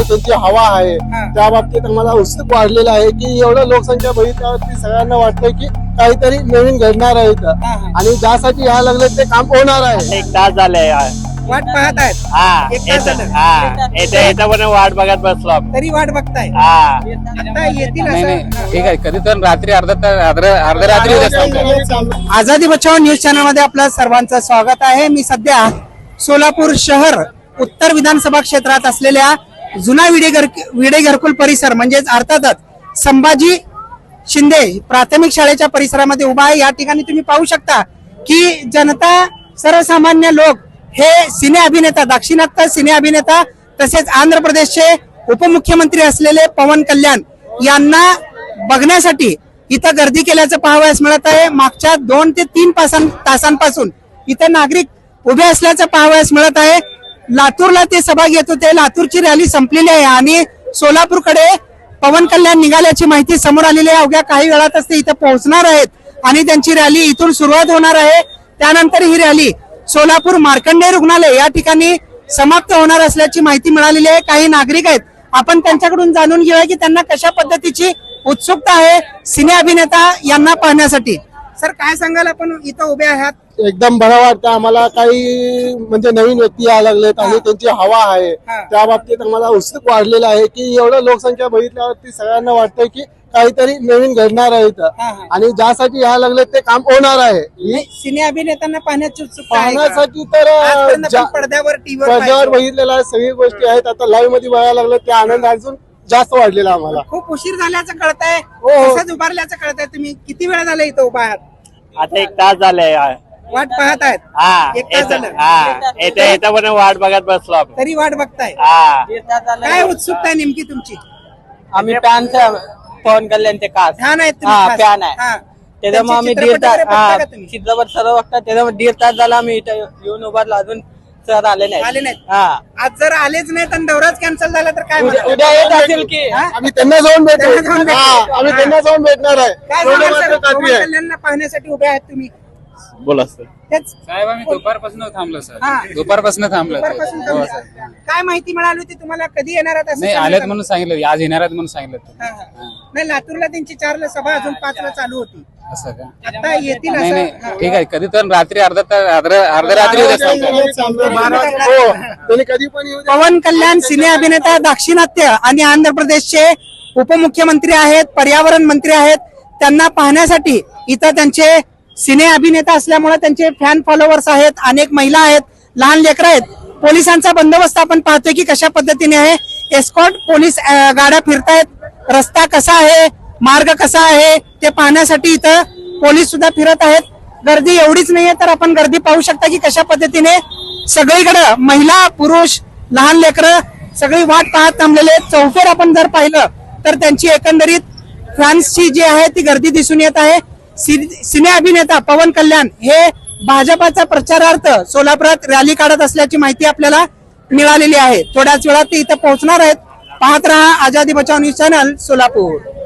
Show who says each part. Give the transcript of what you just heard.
Speaker 1: त्यांची हवा आहे त्या बाबतीत आम्हाला उत्सुक वाढलेला आहे की एवढं लोकसंख्या बघितल्यावरती सगळ्यांना वाटतंय की काहीतरी नवीन घडणार आहे इथं आणि ज्यासाठी यायला लागले ते काम होणार आहे.
Speaker 2: 1 तास झाले
Speaker 3: वाट पाहत आहेत.
Speaker 2: हा
Speaker 3: एक तास झालं.
Speaker 2: येतं पण वाट बघत बसलो आपण.
Speaker 3: तरी वाट बघताय. आता येतील
Speaker 4: नाही
Speaker 3: असं.
Speaker 4: नाही ठीक आहे. कधी तर रात्री अर्ध्या रात्री होत असतं.
Speaker 3: आझादी बचाव न्यूज चॅनल मध्ये आपलं सर्वांचं स्वागत आहे. मी सध्या सोलापूर शहर उत्तर विधानसभा क्षेत्रात असलेल्या जुना विडे घरकुल परिसर म्हणजेच अर्थातच संभाजी शिंदे प्राथमिक शाळेच्या परिसरामध्ये उभा आहे. या ठिकाणी तुम्ही पाहू शकता की जनता सर्वसामान्य लोक हे सिने अभिनेता दाक्षिणात्य सिने अभिनेता तसेच आंध्र प्रदेशचे उपमुख्यमंत्री असलेले पवन कल्याण यांना बघण्यासाठी इथं गर्दी केल्याचं पाहावयास मिळत आहे. मागच्या 2 ते 3 तासांपासून इथं नागरिक उभे असल्याचं पाहावयास मिळत आहे. लातूरला ते सभा घेत होते. लातूरची रॅली संपलेली आहे आणि सोलापूरकडे पवन कल्याण निघाल्याची माहिती समोर आलेली आहे. अवघ्या काही वेळातच ते इथं पोहोचणार आहेत आणि त्यांची रॅली इथून सुरुवात होणार आहे. त्यानंतर ही रॅली सोलापूर मार्कंडेय रुग्णालय या ठिकाणी समाप्त होणार असल्याची माहिती मिळालेली आहे. काही नागरिक आहेत, आपण त्यांच्याकडून जाणून घेऊया की त्यांना कशा पद्धतीची उत्सुकता आहे सिने अभिनेता यांना पाहण्यासाठी. सर काय सांगाल, आपण इथं उभे आहात?
Speaker 1: एकदम बरं वाटतं आम्हाला. काही म्हणजे नवीन व्यक्ती यायला लागलेत आणि त्यांची हवा आहे त्या बाबतीत आम्हाला उत्सुक वाढलेला आहे की एवढं लोकसंख्या बघितल्यावरती सगळ्यांना वाटतंय की काहीतरी नवीन घडणार आहे इथं आणि ज्यासाठी यायला लागले ते काम होणार आहे.
Speaker 3: सिने अभिनेत्यांना पाहण्याची उत्सुकता आहे का?
Speaker 1: पाहण्यासाठी तर
Speaker 3: आजपर्यंत आपण पडद्यावर
Speaker 1: पडद्यावर बघितलेला आहे, सगळी गोष्टी आहेत. आता लाईव्ह मध्ये बघायला लागलं ते आनंद अजून जास्त वाढलेला आम्हाला.
Speaker 3: खूप उशीर झाल्याचं कळतंय,
Speaker 1: हो.
Speaker 3: तसंच उभारल्याचं कळतंय. तुम्ही किती वेळ झाला इथं उभा आहात?
Speaker 2: आता 1 तास झाले.
Speaker 3: वाट पाहत आहेत.
Speaker 2: हा
Speaker 3: 1 तास झालं.
Speaker 2: येतं पण वाट बघत बसलो आपण.
Speaker 3: तरी वाट बघताय. काय उत्सुकता आहे नेमकी तुमची?
Speaker 5: आम्ही पवन कल्याणचे खास
Speaker 3: फॅन आहेत तुम्ही
Speaker 5: हा,
Speaker 3: खास?
Speaker 5: फॅन आहे.
Speaker 3: हा.
Speaker 5: त्याच्यामुळे आम्ही
Speaker 3: त्यांचे चित्रपट वगैरे बघता का तुम्ही?
Speaker 5: चित्रपट सर्व बघतात. त्याच्यामुळे 1.5 तास झाला आम्ही इथं येऊन उभारलो. अजून सर आले
Speaker 3: आले
Speaker 5: नाही.
Speaker 3: नाहीत.
Speaker 5: हा
Speaker 3: आज जर आलेच नाहीत आणि दौराच कॅन्सल झाला तर काय म्हणाल?
Speaker 5: उद्या येत असेल की
Speaker 1: आम्ही त्यांना जाऊन
Speaker 3: त्यांना जाऊन
Speaker 1: भेटू.
Speaker 3: भेटू.
Speaker 1: आम्ही त्यांना जाऊन भेटणार आहे.
Speaker 3: काय
Speaker 1: एवढं
Speaker 3: सांगाल
Speaker 1: मात्र
Speaker 3: सर,
Speaker 1: खात्री
Speaker 3: पवन
Speaker 1: आहे.
Speaker 3: कल्याणला पाहण्यासाठी उभे आहात तुम्ही?
Speaker 2: बोला सर.
Speaker 3: तेच
Speaker 4: साहेब आम्ही दुपारपासून थांबलो सर.
Speaker 3: हा.
Speaker 4: दुपारपासून थांबलो.
Speaker 3: दुपारपासून
Speaker 4: हो
Speaker 3: थांबले.
Speaker 4: सर.
Speaker 3: काय माहिती मिळाली होती तुम्हाला? कधी येणार आहात असं
Speaker 4: नाही
Speaker 3: सांगितलं
Speaker 4: आलेत
Speaker 3: का?
Speaker 4: म्हणून सांगितलं. आज येणार आहेत म्हणून सांगितलं.
Speaker 3: हा, हा. नाही, लातूरला त्यांची 4 ला सभा अजून 5 ला चालू होती.
Speaker 4: असं का?
Speaker 3: आता येतील
Speaker 4: नाही
Speaker 3: असं.
Speaker 4: नाही ठीक आहे. कधी तर रात्री अर्ध्या रात्री होत असतं.
Speaker 1: हो, त्यांनी कधी पण येऊ द्या.
Speaker 3: पवन कल्याण सिने अभिनेता दाक्षिणात्य आणि आंध्र प्रदेशचे उपमुख्यमंत्री आहेत, पर्यावरण मंत्री आहेत. त्यांना पाहण्यासाठी इथं त्यांचे सिने अभिनेता असल्यामुळे त्यांचे फॅन फॉलोअर्स आहेत, अनेक महिला आहेत, लहान लेकरं आहेत. पोलिसांचा बंदोबस्त आपण पाहतोय की कशा पद्धतीने आहे. एस्कॉर्ट पोलीस गाड्या फिरतायत. रस्ता कसा आहे, मार्ग कसा आहे ते पाहण्यासाठी इथं पोलीस सुद्धा फिरत आहेत. गर्दी एवढीच नाहीये तर आपण गर्दी पाहू शकता की कशा पद्धतीने सगळीकडे महिला पुरुष लहान लेकरं सगळी वाट पाहत थांबलेले आहेत. चौफेर आपण जर पाहिलं तर त्यांची एकंदरीत फ्रान्सची जी आहे ती गर्दी दिसून येत आहे. सिने अभिनेता पवन कल्याण हे भाजपाचा प्रचारार्थ सोलापुरात रॅली काढत असल्याची माहिती आपल्याला मिळालेली आहे. थोड्याच वेळात ते इथं पोहोचणार आहेत. पाहत रहा आझादी बचाव न्यूज चॅनल सोलापूर.